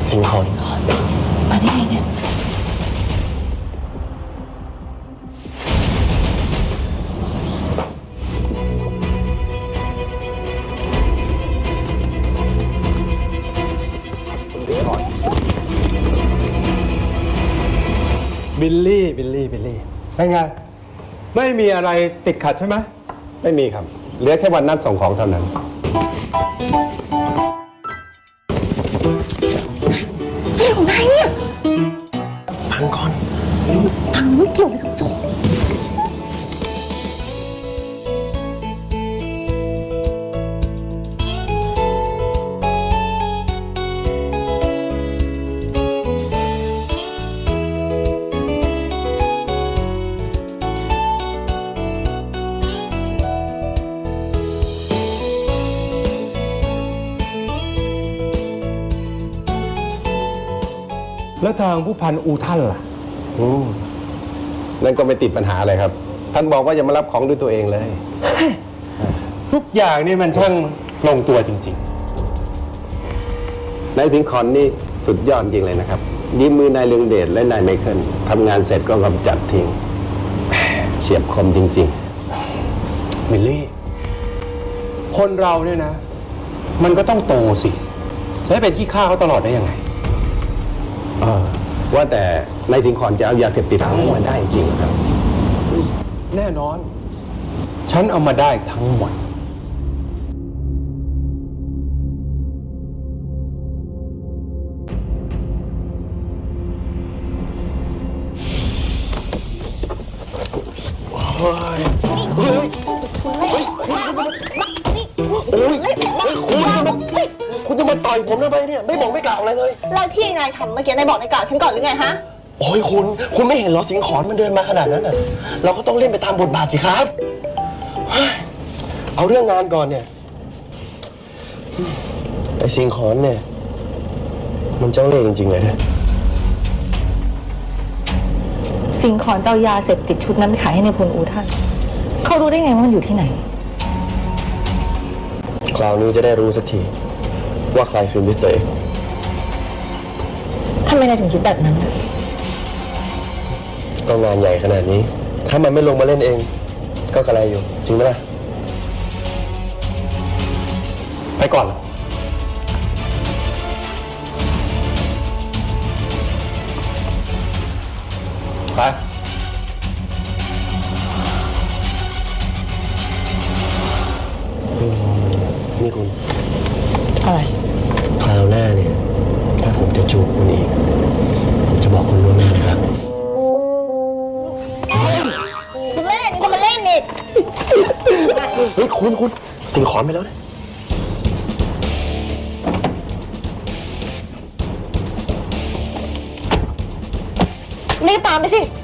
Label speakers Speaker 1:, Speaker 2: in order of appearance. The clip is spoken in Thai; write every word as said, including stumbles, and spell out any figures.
Speaker 1: สิงคอน
Speaker 2: มาได้ไงเนี่ย
Speaker 3: บิลลี่บิลลี่บิลลี่เป็นไงไม่มีอะไรติดขัดใช่ไหม
Speaker 4: ไม่มีครับเหลือแค่วันนัดส่งของเท่านั้น
Speaker 2: เรื่องของนายเนี่ย
Speaker 1: ฟังก่อน
Speaker 2: ทางไม่เกี่ยวอะไรกับโจ
Speaker 3: แล้วทางผู้พันอูท่านล่ะ
Speaker 4: อืมนั่นก็ไม่ติดปัญหาอะไรครับ ท่านบอกว่าจะมารับของด้วยตัวเองเลย
Speaker 3: ทุกอย่างนี่มันช่างลงตัวจริง
Speaker 4: ๆนายสิงคอนนี่สุดยอดจริงเลยนะครับยิ้มมือนายเลืองเดชและนายไมเคิลทำงานเสร็จก็กำจัดทิ้งเฉียบคมจริง
Speaker 3: ๆบิลลี่คนเราเนี่ยนะ มันก็ต้องโตสิจะให้เป็นขี้ข้าเขาตลอดได้ยังไง
Speaker 4: เออว่าแต่นายสิงคอนจะเอายาเสพติดทั้งหมดได้จริงครับ
Speaker 3: แน่นอนฉันเอามาได้ทั้งหมด
Speaker 1: เฮ้ยเฮ้ยเฮ้ยคุณโอ้ยเฮ้ยคุณจะมาคุณจะมาต่อยผมทำไมเนี่ยไม่บอกไม่กล่าวอะไรเลย
Speaker 2: แล้วที่นายทำเมื่อกี้นายบอกนายกล่าวฉันก่อนหรือไงฮะ
Speaker 1: โอ้ยคุณคุณไม่เห็นเหรอสิงขอนมันเดินมาขนาดนั้นอ่ะเราก็ต้องเล่นไปตามบทบาทสิครับเอาเรื่องงานก่อนเนี่ยไอ้สิงขอนเนี่ยมันเจ้าเล่ห์จริงๆเลยนะ
Speaker 2: สิงขอนเจ้ายาเสพติดชุดนั้นไปขายให้ในพลอูท่านเขารู้ได้ไงว่ามันอยู่ที่ไหน
Speaker 1: คราวนี้จะได้รู้สักทีว่าใครคือมิสเตอร์เอก
Speaker 2: ทำไมนายถึงคิดแบบนั้น
Speaker 1: ก็งานใหญ่ขนาดนี้ถ้ามันไม่ลงมาเล่นเองก็กระไรอยู่จริงไหมล่ะ
Speaker 3: ไปก่อนไป
Speaker 1: นี่คุณ
Speaker 2: อะไร
Speaker 1: คราวหน้าเนี่ยถ้าผมจะจูบคุณอีกผมจะบอกคุณล่วงหน้านะครับ
Speaker 2: คุณเล่นนี่ก็มาเล่นนี่
Speaker 1: เฮ้ยคุณคุณสิงขอนไปแล้วนะ
Speaker 2: รีบตามไปสิ